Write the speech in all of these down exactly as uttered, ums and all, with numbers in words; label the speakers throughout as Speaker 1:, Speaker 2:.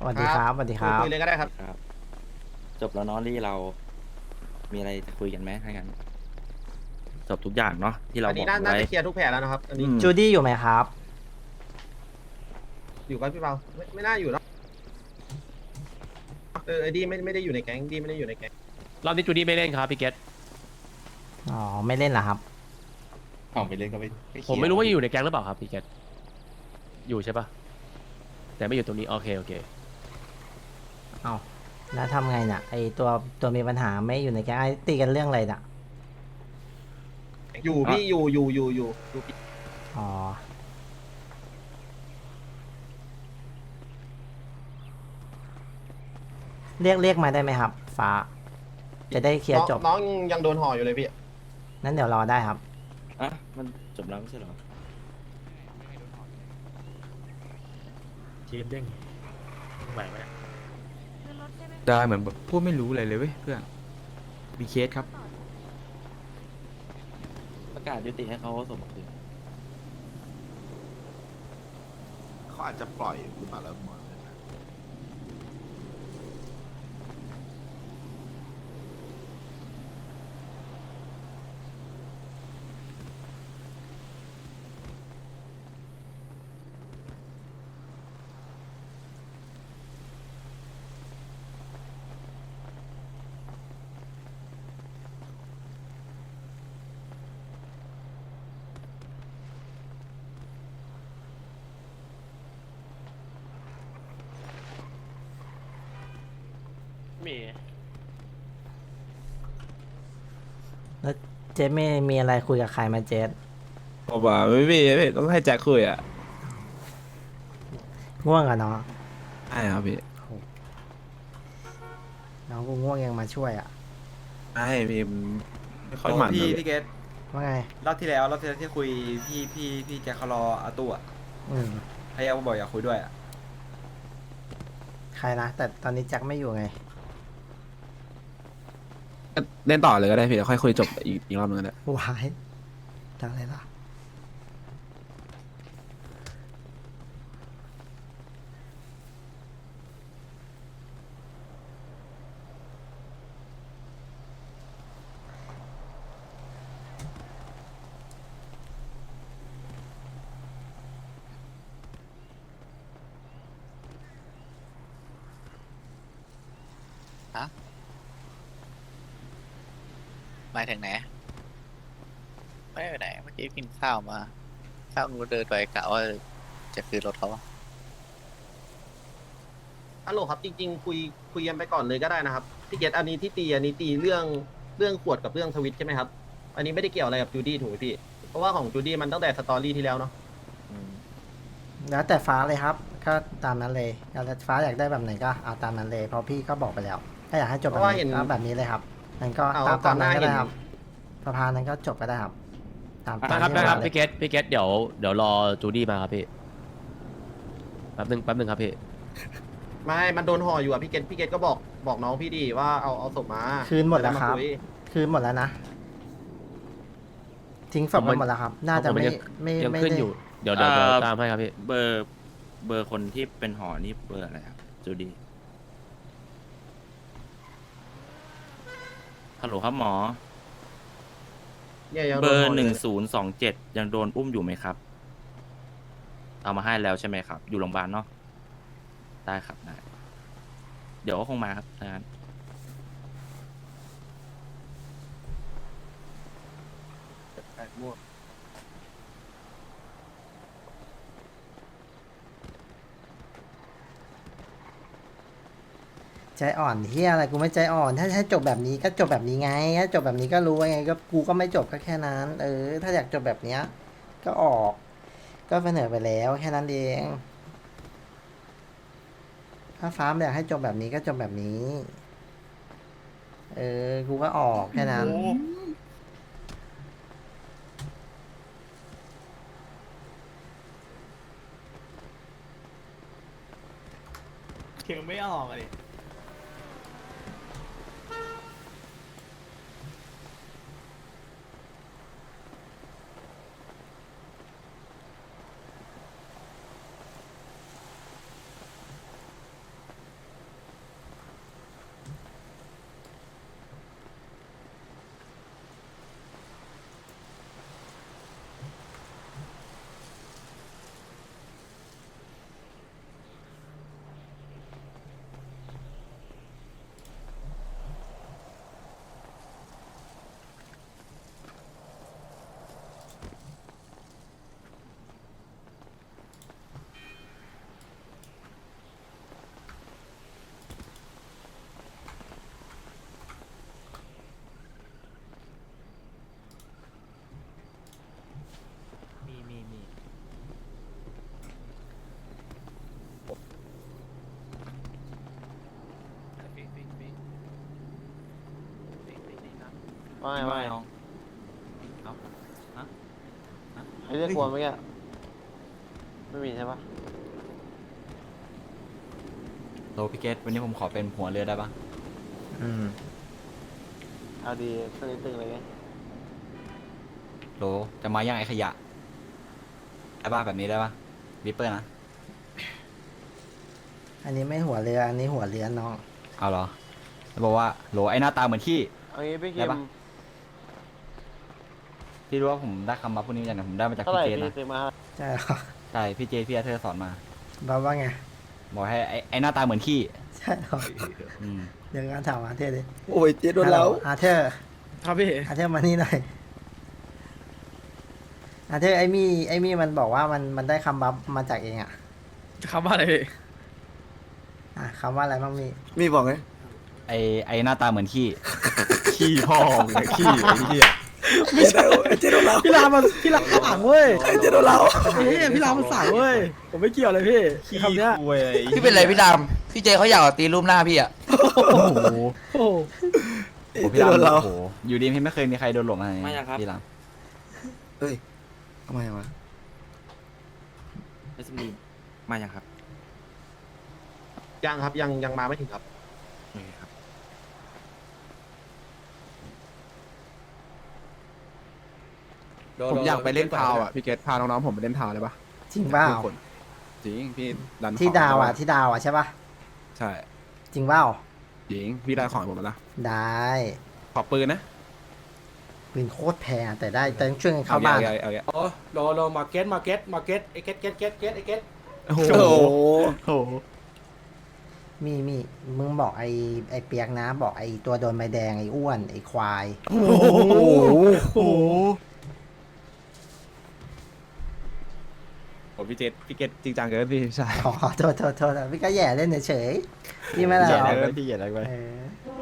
Speaker 1: วัสดีครับสวัสดีค
Speaker 2: คุย
Speaker 1: รับ
Speaker 2: คุยเลยก็ได้ครับ
Speaker 3: ครับ จบแล้วเนาะลี่เรา มีอะไรจะคุยกันไหมถ้างั้นจบทุกอย่างเนาะที่เรา
Speaker 2: อัน
Speaker 3: บ
Speaker 2: นี้
Speaker 3: อก
Speaker 2: น่าน่า
Speaker 3: ไว้
Speaker 2: จะเคลียร์ทุกแผลแล้วนะครับ อันนี้
Speaker 3: อืม
Speaker 1: จูดี้อยู่ไหมครับ
Speaker 2: อยู่กับพี่เปาไม่ไม่น่าอยู่แล้วเออไอ้ดีไม่ไม่ได้อยู่ในแก๊งดีไม่ได้อยู่ในแก๊ง
Speaker 4: รอบนี้จูดี้ไม่เล่นครับพี่เกต
Speaker 1: อ๋อ ไม่เล่นเหรอครับ
Speaker 5: เอาไปเล่นก็ไม่
Speaker 4: ผมไม่รู้ว่าอยู่ในแก๊งหรือเปล่าครับพี่เกตอยู่ใช่ปะแต่ไม่อยู่ตรงนี้โอเคโอเค
Speaker 1: เอาแล้วทำไงน่ะ ไอตัวตัวมีปัญหาไม่อยู่ในแก๊งไอตีกันเรื่องอะไรน่ะ
Speaker 2: อยู่พี่อยู่อยู่อยู่อยู่อยู่พี่
Speaker 1: อ๋อ เรียกเรียกมาได้ไหมครับ ฟ้า จะได้เคลียร์จบ
Speaker 2: น้องน้องยังโดนห่ออยู่เลยพี่
Speaker 1: นั้นเดี๋ยวรอได้ครับ
Speaker 3: อ่ะมันจบแล้วไม่ใช่เหรอ
Speaker 6: ทีมเด้งไหวไหม
Speaker 7: ได้เหมือนแบบพูดไม่รู้อะไรเลยเว้ยเพื่อนมีเคสครับ
Speaker 3: ประกาศยุติให้เขาส่งมาคืน
Speaker 5: เขาอาจจะปล่อยหรือเปล่าแล้วหมด
Speaker 4: มี
Speaker 1: แล้วเจ๊ไม่มีอะไรคุยกับใครไหมาเจ๊
Speaker 7: บอกว่าไม่มีไม่มีต้องให้แจ็คคุยอ่ะ
Speaker 1: ง่วงอะเนาะ
Speaker 7: ใช่ครับพี่
Speaker 1: น้องกูง่วงยังมาช่วยอะ
Speaker 7: ไม่พี่มันไม่ค่อยหมัน
Speaker 8: พี่
Speaker 7: เลย
Speaker 8: พี่เกต
Speaker 1: ว่าไง
Speaker 8: รอบที่แล้วรอบที่แล้วที่คุยพี่พี่พี่แจ็คเขารออาตู้อ่ะ
Speaker 1: อืม
Speaker 8: พยายามบอกอยากคุยด้วยอ่ะ
Speaker 1: ใครนะ แต่ตอนนี้แจ็คไม่อยู่ไง
Speaker 7: ก็เล่นต่อเลยก็ได้พี่เดี๋ยวค่อยคุยจบอีกอีกรอบนึงก็ได้
Speaker 1: วายจังเลยล่ะ
Speaker 9: หมายถึงไหนไม่ไปไหนเมื่อกี้กินข้าวมาข้าวงูเดินไปกะว่าจะคืนรถเขาอะ
Speaker 2: ฮัลโหลครับจริงๆคุยคุยกันไปก่อนเลยก็ได้นะครับพี่เกตอันนี้ที่ตีอันนี้ตีเรื่องเรื่องขวดกับเรื่องทวิตใช่ไหมครับอันนี้ไม่ได้เกี่ยวอะไรกับจูดี้ถูกไหมพี่เพราะว่าของจูดี้มันตั้งแต่สตอรี่ที่แล้วเนาะ
Speaker 3: อืม
Speaker 1: แล้วแต่ฟ้าเลยครับ ก็ตามนั้นเลยแล้วแต่ฟ้าอยากได้แบบไหนก็เอาตามนั้นเลย เพราะพี่ก็บอกไปแล้ว ถ้าอยากให้จบแบบนี้ก็แบบนี้เลยครับนั่นก็ตามตามนั้นก็ได้ครับสภานั้นก็จบก็ได้ครับ ตามตาม
Speaker 4: ได้ครับ
Speaker 1: ที่
Speaker 4: ได้ครับ
Speaker 1: ว่าเลย
Speaker 4: พี่เกตพี่เกตเดี๋ยวเดี๋ยวรอจูดี้มาครับพี่แป๊บนึงแป๊บนึงครับพี่
Speaker 2: ไม่มันโดนห่ออยู่อะพี่เกตพี่เกตก็บอกบอกน้องพี่ดีว่าเอาเอาศพมา
Speaker 1: คืนหมดแล้วครับ
Speaker 2: จะาย
Speaker 1: คืนหมดแล้วนะ ทิ้งศพไปหมดแล้วครับ น่าจะไม่ไม่
Speaker 4: ยัง
Speaker 1: ไม่
Speaker 4: ขึ้น
Speaker 1: ได้
Speaker 4: อยู่เดี๋ยวเดี๋ยวเดี๋ยวตามให้ครับพี่
Speaker 3: เบอร์เบอร์คนที่เป็นหอนี่เบอร์อะไรครับจูดีฮัลโหลครับหมอ
Speaker 2: เนี่ยยัง
Speaker 3: เบ
Speaker 2: โด
Speaker 3: อน
Speaker 2: ห่
Speaker 3: ร์
Speaker 2: ยู่
Speaker 3: หนึ่ง
Speaker 2: เลย
Speaker 3: ศูนย์สองเจ็ดยังโดนอุ้มอยู่ไหมครับ เอามาให้แล้วใช่ไหมครับ อยู่โรงพยาบาลเนาะได้ครับได้เดี๋ยวก็คงมาครับถ้างั้น
Speaker 2: ม่วง
Speaker 1: ใจอ่อนเฮียอะไรกูไม่ใจอ่อน ถ้าถ้าจบแบบนี้ก็จบแบบนี้ไงถ้าจบแบบนี้ก็รู้ว่าไงก็กูก็ไม่จบก็แค่นั้น เออ ถ้าอยากจบแบบเนี้ย ก็ออก ก็เสนอไปแล้วแค่นั้นเอง ถ้าฟ้าไม่อยากให้จบแบบนี้ก็จบแบบนี้ เออ กูก็ออกแค่นั้น
Speaker 6: เขียงไม่ออกอะดิ
Speaker 8: ว่าไงว่าไง
Speaker 7: น้องเอาฮะ
Speaker 8: ให้เรียกกวนเมื่อกี้ไม่มีใช่ปะ
Speaker 7: โลพี่เกตวันนี้ผมขอเป็นหัวเรือได้ปะ
Speaker 1: อืม
Speaker 8: เอาดีตึงตึงเลยไง
Speaker 7: โลจะมาย่างไอ้ขยะได้ปะแบบนี้ได้ปะวิปเปอร์นะ
Speaker 1: อันนี้ไม่หัวเรืออันนี้หัวเรือน้อง
Speaker 7: เอาเหรอแล้วบอกว่าโหลไอ้หน้าตาเหมือนขี้
Speaker 8: เอางี้พี่
Speaker 7: ได้
Speaker 8: คิม
Speaker 7: ปะ ที่รู้ว่าผมได้คำมาพวกนี้มาจากไหนผมได้มาจาก
Speaker 8: เท่าไห
Speaker 7: พี่
Speaker 8: ร่
Speaker 7: เจน
Speaker 8: พี่
Speaker 7: นะ
Speaker 8: ซื้อมา
Speaker 1: ใช่เหรอ
Speaker 7: ใช่พี่เจพี่อาเธอร์สอนมา
Speaker 1: บอกว่าไง
Speaker 7: บอกให้ไอ้ไอ้หน้าตาเหมือนขี้
Speaker 1: ใช่เหรอ
Speaker 7: อืม
Speaker 1: เดี๋ยวงานถามอาเธอร์ดิ
Speaker 7: โอ้ยเจโดนแล้ว
Speaker 1: อาเธอร์
Speaker 6: ครับพี่
Speaker 1: อาเธอร์มานี่หน่อยอาเธอร์ไอ้มี่ไอ้มี่มันบอกว่ามันมันได้คำบัฟมาจากเองอ่ะ
Speaker 6: คำว่าอะไรพี่
Speaker 1: อ่ะคำว่าอะไรบ้างมี่
Speaker 7: มีบอกไงไอ้ไอ้หน้าตาเหมือนขี้ ขี้พ่อมึงอะขี้ไอ้เหี้ย
Speaker 6: ไม่ใช่เจโดเราพี่รามมันพี่รามสั่งเว้ยเจโดเราเฮ้ยพี่รามมันสั่งเว้ยผมไม่เกี่ยวเลยพี่
Speaker 7: ขี้
Speaker 6: คำเนี้ย
Speaker 7: คุย
Speaker 9: พี่เป็นไรพี่ดำพี่เจเขาอยากตีรูปหน้าพี่อ่ะ
Speaker 7: โอ้โห
Speaker 6: โอ้โห
Speaker 7: โอ้พี่รามโอ้โหอยู่ดีพี่ไม่เคยมีใครโดนหลงอะไร
Speaker 3: ไม่ยังครับ
Speaker 7: พี่ราม
Speaker 10: เฮ้ยทำไมวะ
Speaker 3: เอสมีมายังครับ
Speaker 2: ยังครับยังยังมาไม่ถึงครับ
Speaker 3: โอเคครับ
Speaker 10: ผมอยากไปเล่นพาวอ่ะพี่เกตพาน้องๆผมไปเล่นพาวเลยปะ
Speaker 1: จริงเปล่า
Speaker 10: คนจริงพี่ดัน
Speaker 1: ที่
Speaker 10: ของ
Speaker 1: ดาวอ่ะ
Speaker 10: ได้ป
Speaker 1: ที่ดาวอ่ะใช่ปะ
Speaker 10: ใช่
Speaker 1: จริงเปล่า
Speaker 10: จริงพี่ได้ของให้ผมแล้วนะ
Speaker 1: ได้
Speaker 10: ขอปืนนะ
Speaker 1: ปืนโคตรแพงอะแต่ได้แต่ต้องช่วยกันเข้าบ้าน
Speaker 10: เอา
Speaker 1: อะ
Speaker 10: เอเอาเอ
Speaker 6: อ๋อรอรอมาเก็ตมาเก็ตมาเก็ตไอเก็ตเก็ตเก็ตเก็ตไอเก็ต
Speaker 10: โอ้โห
Speaker 7: โอ้โห
Speaker 1: มีมีมึงบอกไอ้ไอ้เปียกนะ บอกไอ้ตัวโดนใบแดงไอ้อ้วนไอ้ควาย
Speaker 7: โอ้โห
Speaker 10: โอ้พี่เจตพี่เกตจริงจังเกินพี่ใช่
Speaker 1: ขอขอโทษโทษโทษพี่ก็แย่เล่นเฉยๆพี่ไม่ได้
Speaker 7: เหยียด
Speaker 1: หร
Speaker 7: อะ
Speaker 1: อก
Speaker 7: ไรไปพี่เหยียดอะไรไป
Speaker 1: เออ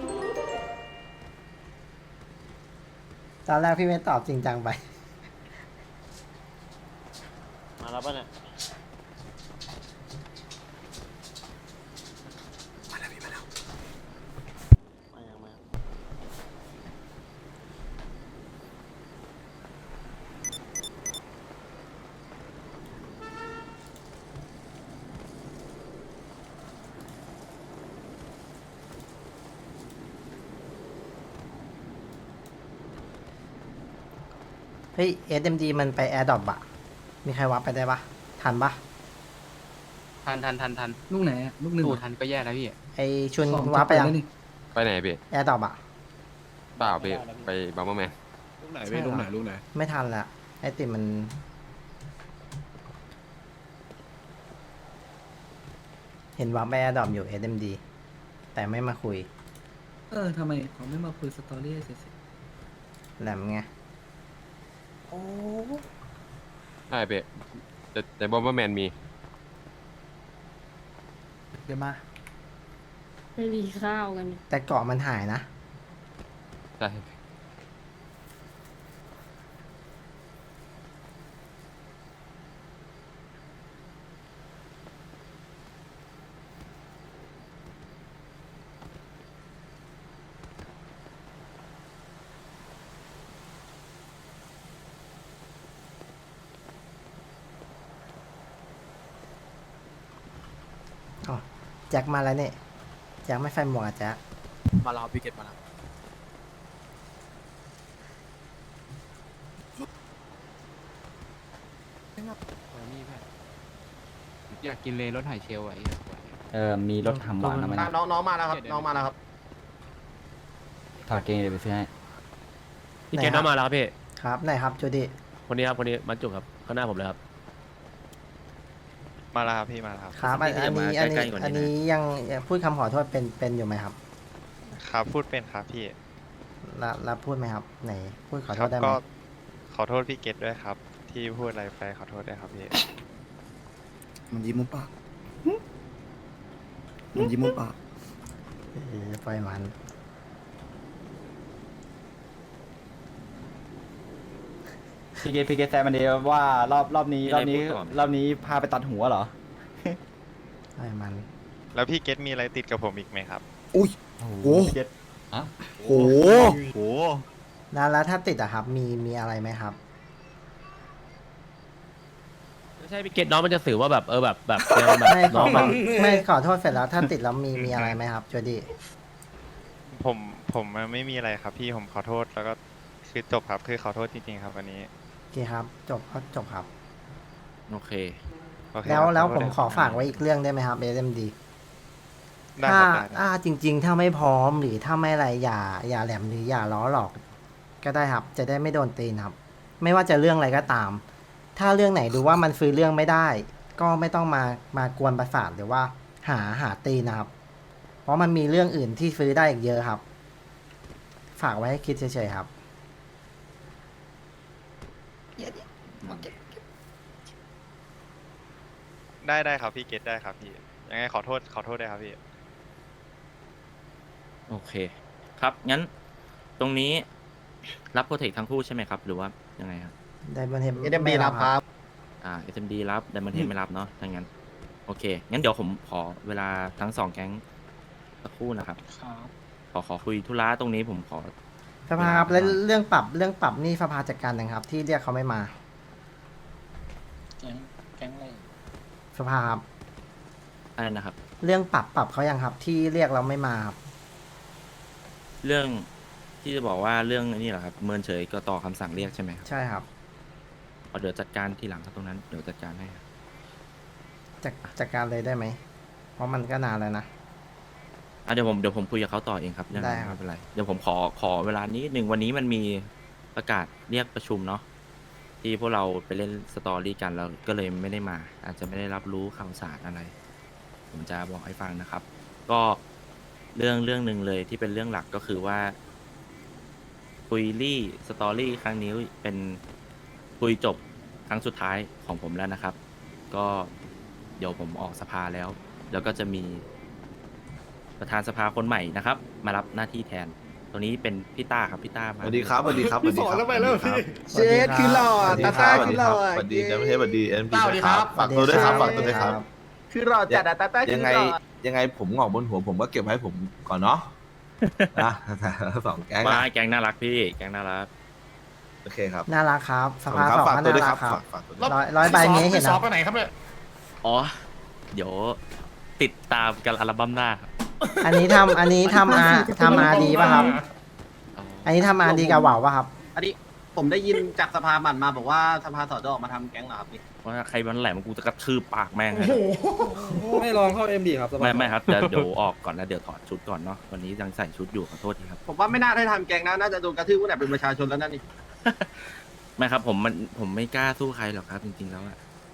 Speaker 1: ตอนแรกพี่ไม่ตอบจริงจังไป
Speaker 8: มาแล้วป่ะเนี่ย
Speaker 10: มาแล้วพี่มาแล้ว
Speaker 8: มายังมายัง
Speaker 1: เฮ้ย เอส เอ็ม ดี มันไปแอร์ดรอปอะมีใครวับไปได้ปะทันปะ
Speaker 3: ทันทันทันทัน
Speaker 10: ลูกไหนลูกหนึ่ง
Speaker 3: ตู้ทันก็แย่แล้วพี่
Speaker 1: ไอชุนวับไปยัง
Speaker 10: ไปไหนพี่
Speaker 1: แอร์ดรอปอะ
Speaker 10: เปล่าพี่ไปบัมเบอร์แมนลูกไหน
Speaker 1: ใช่
Speaker 10: พี่
Speaker 1: เหรอ
Speaker 10: ลูกไหนลูกไหน
Speaker 1: ไม่ทันละไอติมมัน เห็นวับไปแอร์ดรอปอยู่ เอส เอ็ม ดี แต่ไม่มาคุย
Speaker 10: เออทำไมเขาไม่มาคุยสตอรี่เสร็จ
Speaker 1: แหลมไง
Speaker 10: ใช่พี่แต่แต่บัมเบอร์แมนมี
Speaker 1: เดี๋ยวมา
Speaker 11: ไม่มีข้าวกัน
Speaker 1: แต่เกาะมันหายนะ
Speaker 10: ใช่
Speaker 1: อ๋อแจ็คมาแล้วเนี่ยแจ็คไม่ใส่หมวกอะแจ็ค
Speaker 6: มาแล้วพี่เก็ตมาแล้ว
Speaker 3: อยากกินเลยรถไถเชลไว้
Speaker 7: เออมีรถทำหวานนะมัน
Speaker 2: อ่ะน้องน้องมาแล้วครับน้องมาแล้วครับ
Speaker 7: ถอดเกงเดี๋ยวไปซื้อให้
Speaker 4: พี่เกตน้องมาแล้วครับพี่
Speaker 1: ครับไหนครับจูดี้
Speaker 4: คนนี้ครับคนนี้มันจุกครับข้างหน้าผมเลยครับ
Speaker 9: มาแล้วครับพี่มาแล้วครับ
Speaker 1: ครับอันอันนี้อันนี้อันนี้ยังยังพูดคำขอโทษเป็นเป็นอยู่ไหมครับ
Speaker 9: ครับพูดเป็นครับพี่
Speaker 1: แล้วแล้วพูดไหมครับ ไหน พูดขอโท
Speaker 9: ครั
Speaker 1: ษได้ไหม
Speaker 9: ก็ขอโทษพี่เกตด้วยครับ ที่พูดอะไรไปขอโทษด้วยครับพี่
Speaker 10: มันยิ้มมุมปากมันยิ้มมุมปาก
Speaker 1: เออปล่อยมัน
Speaker 7: พี่เกตพี่เกตแซมมันเดียวว่ารอบรอบนี้รอบนี้รอบนี้พาไปตัดหัวเหรอ
Speaker 1: ปล่อยมัน
Speaker 9: แล้วพี่เกตมีอะไรติดกับผมอีกไหมครับ
Speaker 10: อุ้ย
Speaker 7: โอ้โห
Speaker 10: โอ้
Speaker 7: พี่เกต
Speaker 10: โห
Speaker 7: โห
Speaker 1: แล้วแล้วถ้าติดอะครับ มีมีอะไรไหมครับ
Speaker 4: ไม่ใช่พี่เกตน้องมันจะสื่อว่าแบบเออแบบแบบแนวแบบ
Speaker 1: ไม่ข
Speaker 4: น้
Speaker 1: อ
Speaker 4: องแบบ
Speaker 1: ไม่ขอโทษเสร็จแล้วถ้าติดแล้วมีมีอะไรไหมครับจูดี้
Speaker 12: ผมผมไม่มีอะไรครับพี่ผมขอโทษแล้วก็คือจบครับคือขอโทษจริงๆครับวันนี้
Speaker 1: โอเคครับ จบก็จบครับ
Speaker 3: โอเค
Speaker 12: โอเค
Speaker 1: แล้ว
Speaker 12: ครับ
Speaker 1: แล้ว
Speaker 12: ขอโทษ
Speaker 1: ผมขอฝากไว้อีกเรื่องได้ไหมครับ เอ เอ็ม ดี
Speaker 12: ได้
Speaker 1: ถ้า
Speaker 12: ครับได้ได้
Speaker 1: ถ้าจริง ๆ ถ้าไม่พร้อมหรือถ้าไม่อะไรอย่าอย่าแหลมหรืออย่าล้อหลอก ก็ได้ครับ จะได้ไม่โดนตีนครับ ไม่ว่าจะเรื่องอะไรก็ตาม ถ้าเรื่องไหนดูว่ามันฟื้นเรื่องไม่ได้ ก็ไม่ต้องมามากวนประสาทหรือว่าหาหาตีนนะครับ เพราะมันมีเรื่องอื่นที่ฟื้นได้อีกเยอะครับ ฝากไว้ให้คิดเฉยๆครับ
Speaker 12: ได้ได้ครับพี่เกตได้ครับพี่ยังไงขอโทษขอโทษด้วยครับพี่
Speaker 3: โอเค ครับ งั้น ตรงนี้รับโปรเทคทั้งคู่ใช่ไหมครับ หรือว่ายังไงครับ
Speaker 1: ได้บันเทม
Speaker 2: เอ็มดีรับครับ
Speaker 3: อ่า เอส เอ็ม ดี รับ Diamond Head ไม่รับเนาะถ้างั้น โอเค งั้นเดี๋ยวผมขอเวลาทั้งสองแก๊งสักครู่นะครับ ขอขอคุยธุระตรงนี้ผมขอ
Speaker 1: สภาครับแล้วเรื่องปรับเรื่องปรับนี่สภาจัดการยังครับ ที่เรียกเขาไม่มา
Speaker 9: แก๊งแก๊งอะไร
Speaker 1: สภาครับ
Speaker 3: อะไรนะครับ
Speaker 1: เรื่องปรับปรับเขายังครับ ที่เรียกเราไม่มาครับ
Speaker 3: เรื่องที่จะบอกว่าเรื่องนี่เหรอครับ เมินเฉยก็ต่อคำสั่งเรียกใช่ไหมครับ
Speaker 1: ใช่ครับ
Speaker 3: เอาเดี๋ยวจัดการทีหลังครับตรงนั้น เดี๋ยวจัดการให้ครับ
Speaker 1: จัดจัดการเลยได้ไหม เพราะมันก็นานแล้วนะ
Speaker 3: อ่ะเดี๋ยวผมเดี๋ยวผมคุยกับเขาต่อเองครับเรื่อง
Speaker 1: ได้
Speaker 3: นั้น
Speaker 1: ครับ
Speaker 3: ไม่เป็นไร เดี๋ยวผมขอขอเวลานี้หนึ่งวันนี้มันมีประกาศเรียกประชุมเนาะที่พวกเราไปเล่นสตอรี่กันแล้วก็เลยไม่ได้มา อาจจะไม่ได้รับรู้ข่าวสารอะไร ผมจะบอกให้ฟังนะครับ ก็เรื่องเรื่องหนึ่งเลยที่เป็นเรื่องหลักก็คือว่าคุยรี่สตอรี่ครั้งนี้เป็นคุยจบครั้งสุดท้ายของผมแล้วนะครับ ก็เดี๋ยวผมออกสภาแล้ว แล้วก็จะมีประธานสภาคนใหม่นะครับ มารับหน้าที่แทน ตัวนี้เป็นพี่ต้าครับพี่ต้า
Speaker 5: ส
Speaker 3: มา
Speaker 5: วัสดีครับสวัสดีครับสวัสดีครับ
Speaker 1: เชดคือหล่อ
Speaker 5: สวัสดีครับสวัสดีครับสวัสดีนะไม่ใช่สวัสดีเอ็มพีครับฝากตัวด้วยครับฝากตัวด้วยครับ
Speaker 2: คือรอจัดอะตาต้าคือ
Speaker 5: ยังไง
Speaker 2: รอ
Speaker 5: ยังไงผมงอกบนหัวผมก็เก็บไว้ให้ผมก่อนเนาะนะสองแก๊ง
Speaker 3: มา
Speaker 5: นะ
Speaker 3: แกงน่ารักพี่แกงน่ารัก
Speaker 5: โอเคครับ
Speaker 1: น่ารักครับ ส
Speaker 5: ขอบ
Speaker 1: ภา
Speaker 5: คุณครับ
Speaker 1: สอง
Speaker 5: ฝาก
Speaker 1: ก็
Speaker 5: ตัว
Speaker 1: น่า
Speaker 5: ด้วยค
Speaker 1: รั
Speaker 5: รั
Speaker 1: ก
Speaker 5: บ
Speaker 1: ครับ
Speaker 5: ฝากฝากตัวด้วย
Speaker 1: ร้อยร้อยใบนี้เห็นนะ
Speaker 3: อ๋อ เดี๋ยวติดตามกันอัลบั้มหน้าครับ
Speaker 1: อันนี้ทำอันนี้ทำอาทำอาดีป่ะครับ
Speaker 3: อ๋อ
Speaker 1: อันนี้ทำอาดีกับเหว่าป่ะครับ
Speaker 2: อันนี้ผมได้ยินจากสภาหมันมาบอกว่าสภาสอดออกมาทำแก๊งเหรอครับนี่
Speaker 3: ว่าใครมันแหลมกูจะกระทืบปากแม่งเลย
Speaker 6: ไม่ลองเข้าเอ็มดีครับ
Speaker 3: ไม่ไม่ครับเดี๋ยวเดี๋ยวออกก่อนแล้วเดี๋ยวถอดชุดก่อนเนาะวันนี้ยังใส่ชุดอยู่ขอโทษทีครับ
Speaker 2: ผมว่าไม่น่าได้ทำแก๊งนะน่าจะโดนกระทืบตั้งแต่เป็นประชาชนแล้วนั่นนี่
Speaker 3: ไม่ครับผมมันผมไม่กล้าสู้ใครหรอกครับ จริงๆแล้วอะ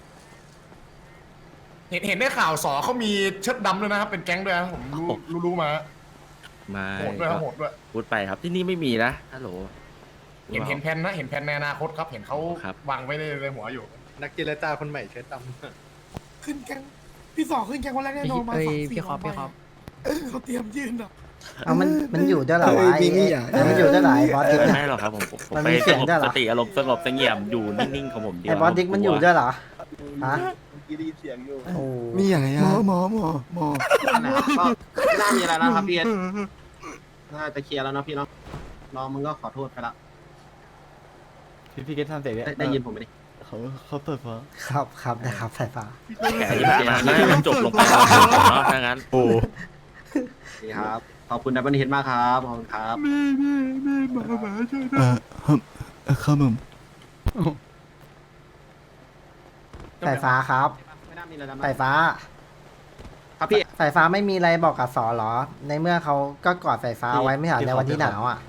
Speaker 6: เห็นเห็นได้ข่าวสอเขามีเชิดดำด้วยนะครับ เป็นแก๊งด้วยนะผมรู้รู้รู้มา
Speaker 3: ไม่
Speaker 6: โหดด้วยครับโหดด้วย
Speaker 3: พูดไปครับที่นี่ไม่มีนะฮัลโหล
Speaker 6: เห็นเห็นแผนนะเห็นแผนในอนาคตครับ เห็นเขา
Speaker 3: ครับ
Speaker 6: วางไว้ในในหัวอยู่
Speaker 5: นักเจรจาคนใหม่เชิญด
Speaker 6: ขึ้นแก๊งพี่สองขึ้นแก๊งวันแรกแน่นอนมาสามสี่วันเขาเตรียมยื่นอ่ะ
Speaker 1: เอามันมันอยู่ด้วยเหรอวะไอ้ไอ้มันอยู่ด้วยเหรอไอ้บอสดิ๊ก
Speaker 3: ไม่
Speaker 1: เนี่ย
Speaker 3: ไม่หรอกครับผมผมผม
Speaker 1: มัน
Speaker 3: ไป
Speaker 1: มีเสี
Speaker 3: ส
Speaker 1: ยง
Speaker 3: งบ
Speaker 1: ด้วยเหรอ
Speaker 3: สติอารมณ์สงบเสงี่ยมอยู่นิ่งๆของผมเดียว
Speaker 1: ไอ้บอสดิ๊กมันอยู่ด้วยเหรอฮะ
Speaker 5: ำกีดีเสียงอยู่
Speaker 1: โอ้
Speaker 6: มีอย่างไรหมอหมอหมอหมอ
Speaker 2: นั่นแหละครับก็ไม่น่ามีอะไรแล้วครับพี่เอ็นน่าจะเคลียร์แล้วเนาะพี่เนาะน้องมึงก็ขอโทษไปละ
Speaker 7: พี่พี่เกตทำเสร็จ
Speaker 2: ได้ได้ยินผมไหมนี่
Speaker 7: เขาเขาเปิดฟ้า
Speaker 1: ครับครับนะครับสายฟ้า
Speaker 3: แกที่ผ่านมาแล้วให้มันจบลงไปแล้วเนาะถ้างั้น
Speaker 2: ดีครับขอบคุณดับเบิลเฮดมากครับขอบคุณครับ
Speaker 6: เออครับผม
Speaker 1: สายฟ้าครับ
Speaker 2: ไม่น่ามีอะไรแล้ว
Speaker 1: สายฟ้า
Speaker 2: ครับพี่
Speaker 1: สายฟ้าไม่มีอะไรบอกกับสอเหรอ ในเมื่อเขาก็กอดสายฟ้าไว้ไม่ใช่เหรอในวันที่หนาวอ่ะ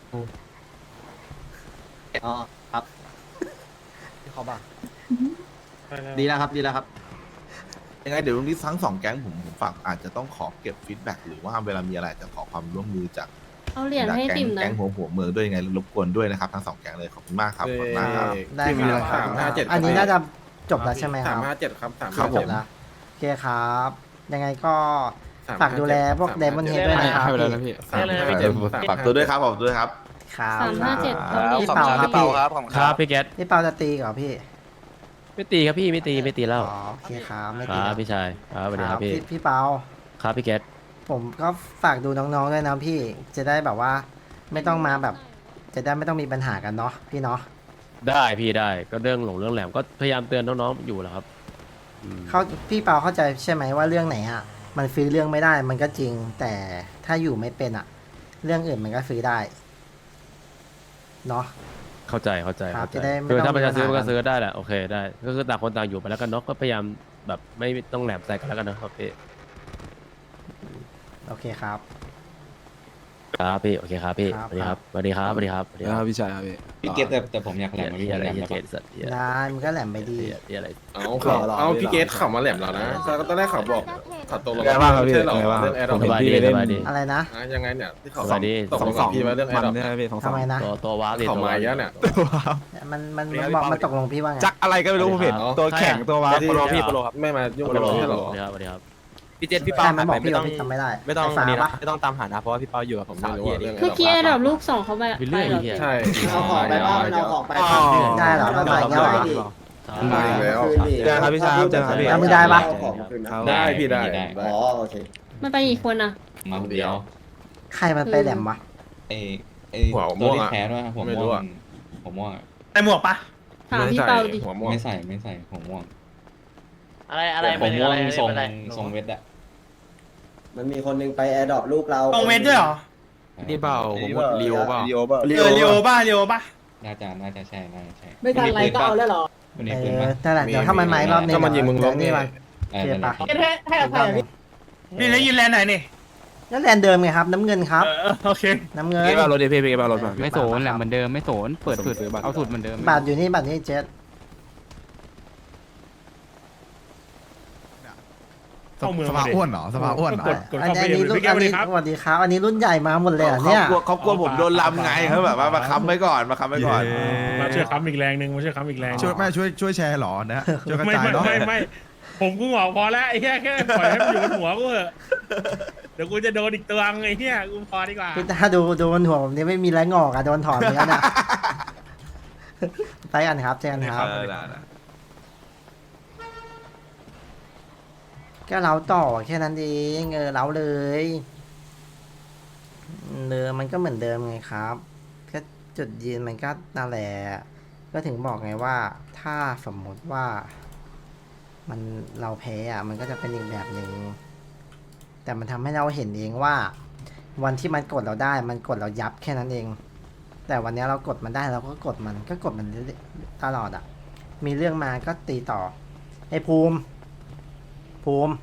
Speaker 2: อ๋อครับ
Speaker 1: ที่เขาบอก
Speaker 2: ดีแล้วครับดีแล้วครับ
Speaker 5: ยังไงเดี๋ยวตรงนี้ทั้งสองแก๊งผมผมฝากอาจจะต้องขอเก็บฟีดแบ็กหรือว่าเวลามีอะไรจะขอความร่วมมือจาก
Speaker 11: เอาเหรียญให้
Speaker 5: แก๊
Speaker 11: ติ่
Speaker 5: ง
Speaker 11: มหนะ
Speaker 5: แก๊งหัวหัวเมืองด้วยยังไงรบกวนด้วยนะครับทั้งสองแก๊งเลยขอบคุณมากครับขอบคุณมากครับ
Speaker 1: ได้ครับอันนี้น่าจะจบแล้วใช่ไหมครับ
Speaker 6: สามห้าเจ็ดครับสาม
Speaker 5: ครับ
Speaker 1: จ
Speaker 5: ผ
Speaker 1: บ
Speaker 5: ม
Speaker 1: แล้วโอเคครับ ยังไงก็ฝากดูแลพวกเดมอนเฮดด้วยนะครับพี่
Speaker 6: สามห้าเจ็ด
Speaker 5: ฝากตัวด้วยครับขอบคุณด้วยครับ
Speaker 1: ครับ
Speaker 11: สามห้าเจ็ด
Speaker 1: พี่
Speaker 9: ขอบ
Speaker 1: เปา
Speaker 9: คุณ
Speaker 1: ค
Speaker 9: ค
Speaker 1: รั
Speaker 9: รั
Speaker 1: บบ พี่
Speaker 9: เปาครับขอบคุณ
Speaker 4: ค
Speaker 9: ค
Speaker 4: รั
Speaker 9: รั
Speaker 4: บบ พี่เกต
Speaker 1: พี่เปาจะตีเหรอพี่
Speaker 4: ไม่ตีครับพี่ไม่ตีไม่ตีแล้ว
Speaker 1: อ๋อโอเคครับไม่
Speaker 4: ค
Speaker 1: ตี
Speaker 4: รับพี่ชายครับสวัสดีครับพี่
Speaker 1: พี่เปา
Speaker 4: ครับพี่เกต
Speaker 1: ผมก็ฝากดูน้องๆด้วยนะพี่ จะได้แบบว่าไม่ต้องมาแบบจะได้ไม่ต้องมีปัญหากันเนาะพี่เนาะ
Speaker 4: ได้พี่ได้ก็เรื่องหลงเรื่องแหลมก็พยายามเตือนน้องๆอยู่แหล้วครับอืม
Speaker 1: เขาพี่เปาเข้าใจใช่ไหมว่าเรื่องไหนอ่ะมันฟรีเรื่องไม่ได้มันก็จริง แต่ถ้าอยู่ไม่เป็นอ่ะ เรื่องอื่นมันก็ฟรีได้เนาะ
Speaker 4: เข้าใจเข้าใจ
Speaker 1: ครับ
Speaker 4: เข้าใจ
Speaker 1: จะได้ไม่
Speaker 4: คือ
Speaker 1: ต้อง
Speaker 4: ถ้ามันจะซื้อ
Speaker 1: มี
Speaker 4: มัน
Speaker 1: ปัญหา
Speaker 4: ก็ซื้อได้แหละโอเคได้ก็คือต่างคนต่างอยู่ไปแล้วกันเนาะก็พยายามแบบไม่ต้องแหลมใส่กันแล้วกันนะครับพี่
Speaker 1: โอเคครับ
Speaker 4: ครับพี่โอเคครับพี่
Speaker 1: ครับ
Speaker 4: สวัสดีครับสวัสดีครับสวัสดีครับสวัสดีครับ
Speaker 5: พี่ชายครับพี่
Speaker 7: พี่เกตแต่แต่ผมอยากแหลม
Speaker 4: เหี้
Speaker 7: พี่
Speaker 4: ยอะไร
Speaker 7: แหลม
Speaker 4: เหี้ย
Speaker 7: ได้
Speaker 4: เก
Speaker 7: ปะ
Speaker 4: ตสัตว์เหี้ย
Speaker 1: ได้มันก็แหลมไปดี
Speaker 4: เหี้ยเหี้ยอะไร
Speaker 10: เอาเขาเอาพี่เกตขับมาแหลมเรานะก็ตอนแรกเขาบอกขับตกลง
Speaker 5: ไงบ้างครับพี่
Speaker 10: ใช่หรอ
Speaker 5: ไงบ้าง
Speaker 10: เรื่องแอร์ด
Speaker 4: ส
Speaker 10: อป
Speaker 4: บายดีสบายดี
Speaker 1: อะไรนะ
Speaker 10: ยังไงเนี่ยที่เขา
Speaker 4: สวัสดี
Speaker 10: ตกลงกับพี่ไว้เรื่องแอร์ดอป
Speaker 1: ทำไมนะ
Speaker 4: ตัวตัวว้าร์ปดิ
Speaker 10: เขา
Speaker 4: ตัว
Speaker 10: มา
Speaker 4: ว้าร์ป
Speaker 10: เยอะเนี่ย
Speaker 1: มันมันมันบอกมันตกลงพี่ว่าไง
Speaker 5: จักอะไรก็ไม่รู้ผมเห็นตัวแข็งตัววา
Speaker 10: ที่
Speaker 5: โปรพี่
Speaker 10: โปรครับไม่มายุ่งกับเราใช่หรอ
Speaker 4: สวัสดีครับสวัสดีครับ
Speaker 5: พี่เจษพี่
Speaker 1: ใช่
Speaker 5: เปา
Speaker 1: มันบอกพี่ว่าพี่จำไม่ได้
Speaker 5: ไม่ต้อง
Speaker 1: ไฟ้าปะ
Speaker 5: ไม่ต้องตามหานะเพราะว่าพี่เปาอยู่กับ
Speaker 10: ผม
Speaker 5: สา
Speaker 10: ไม่
Speaker 5: ว
Speaker 10: รู้
Speaker 5: พี่
Speaker 10: ว่าเรื่อง
Speaker 11: เมื่อกี้ระดับลูกสองเขาไป
Speaker 4: ไปเรื่อย
Speaker 11: ไปหรอ
Speaker 4: เหี้ย
Speaker 10: ใช่
Speaker 8: เอาของไปบ้างมันเอาของไป
Speaker 1: ได้เหรอมันมาอย่างเงี้ยเหรอ
Speaker 10: มาอีกแล้ว
Speaker 5: เจอครับพี่ชายเจอครับพี่
Speaker 1: แล้วมึงได้ปะ
Speaker 8: เอาของมาคืนนะ
Speaker 10: ได้พี่ได้
Speaker 8: อ๋อโอเค
Speaker 11: มันไปกี่คนอ่ะ
Speaker 7: มาคนเดียว
Speaker 1: ใครมันไปแหลมวะ
Speaker 7: เอเอ
Speaker 10: หัว
Speaker 7: ตั
Speaker 10: ม่
Speaker 7: ว
Speaker 10: วง
Speaker 7: ที่
Speaker 10: อะ
Speaker 7: แพ้ด้วยหัว
Speaker 10: ไม่
Speaker 7: ม่
Speaker 10: รู้
Speaker 7: ว
Speaker 10: อะ
Speaker 7: งหัวม่วงอะ
Speaker 5: ไอหมวกปะ
Speaker 11: ถามพี่เปาดิ
Speaker 10: หัวม่วง
Speaker 7: ไม่ใส่ไม่ใส่หัวม่วง
Speaker 9: อะไรอะไร
Speaker 7: หัวม่วงทรง
Speaker 9: อะไร
Speaker 7: ทรงเวทอะ
Speaker 8: มันมีคนนึงไปแอร์ดรอปลูกเรา
Speaker 5: ตรงเวทด้วยเหรอ
Speaker 10: นี่เปล่าผมว่าลีโอเปล่า
Speaker 5: เออลีโอป่ะลีโอป่ะ
Speaker 7: น่าจะน่าจะใช่น่าจะใช่
Speaker 8: ไม่ทันไรก็เอาแล้วเหรอ
Speaker 7: คน
Speaker 1: เอ
Speaker 7: นี้ปืน
Speaker 1: อ
Speaker 7: ปะ
Speaker 1: นั่นแหละเดี๋ยวถ้ามันไม้รอบนึง
Speaker 10: ถ้ามันยิงมึงล้ม
Speaker 1: นี่
Speaker 10: นี่
Speaker 1: มัน
Speaker 7: เออ
Speaker 1: เทียบปะ
Speaker 7: นั่นแหละ
Speaker 8: ให้อภัยพี่
Speaker 5: นี่แล้วยืนแลนไหนนี่
Speaker 1: นั่นแลนเดิมไงครับ น้ำเงินครับ
Speaker 5: โอเค
Speaker 1: น้ำเงิน
Speaker 5: พี่เปารถดิพี่พี่เปารถมา
Speaker 1: ไม่โสนแหละเหมือนเดิม
Speaker 6: ไม่โสนเปิดสุดเอาสุดเหมือนเดิม
Speaker 1: บาทอยู่นี่บาทนี่เจ็ด
Speaker 6: สภาอ้วนเหรอสภาอ้วนเหรอ
Speaker 1: อันนี้อันนี้รุ่นอันนี้สวัสดีครับอันนี้รุ่นใหญ่มาหมดเลยเหรอเนี่ย
Speaker 5: เขากลัวเขากลัวผมโดนลำไงเขาแบบว่ามาค้ำไว้ก่อนมาค้ำไว้ก่อน
Speaker 12: มาช่วยค้ำอีกแรงหนึ่งมาช่วยค้ำอีกแรง
Speaker 6: ช่วยไม่ช่วยช่วยแชร์เหรอนะช่วยกระ
Speaker 12: ไม่
Speaker 6: จาย
Speaker 12: ไม่
Speaker 6: เนาะ
Speaker 12: ไม่ไม่ผมกูหงอกพอแล้วไอ้เหี้ยแค่ปล่อยให้มันอยู่บนหัวกูเถอะเดี๋ยวกูจะโดนอีกตัวไอ้เหี้ยกูพอดีกว่า
Speaker 1: พี่ตาดูดูบนหัวผมนี่ไม่มีแรงงอกอะโดนถอนไปแล้วนะไปกันครับเจอกันครับก็เล้าต่อแค่นั้นเองเออเล้าเลยเดิมมันก็เหมือนเดิมไงครับก็จุดยืนมันก็นั่นแหละก็ถึงบอกไงว่า ถ้าสมมติว่า มันเราแพ้อะมันก็จะเป็นอีกแบบหนึ่งแต่มันทำให้เราเห็นเองว่า วันที่มันกดเราได้ มันกดเรายับแค่นั้นเอง แต่วันนี้เรากดมันได้เราก็กดมันก็กดมันตลอดอ่ะ มีเรื่องมาก็ตีต่อไอ้ภูมิ ภูมิ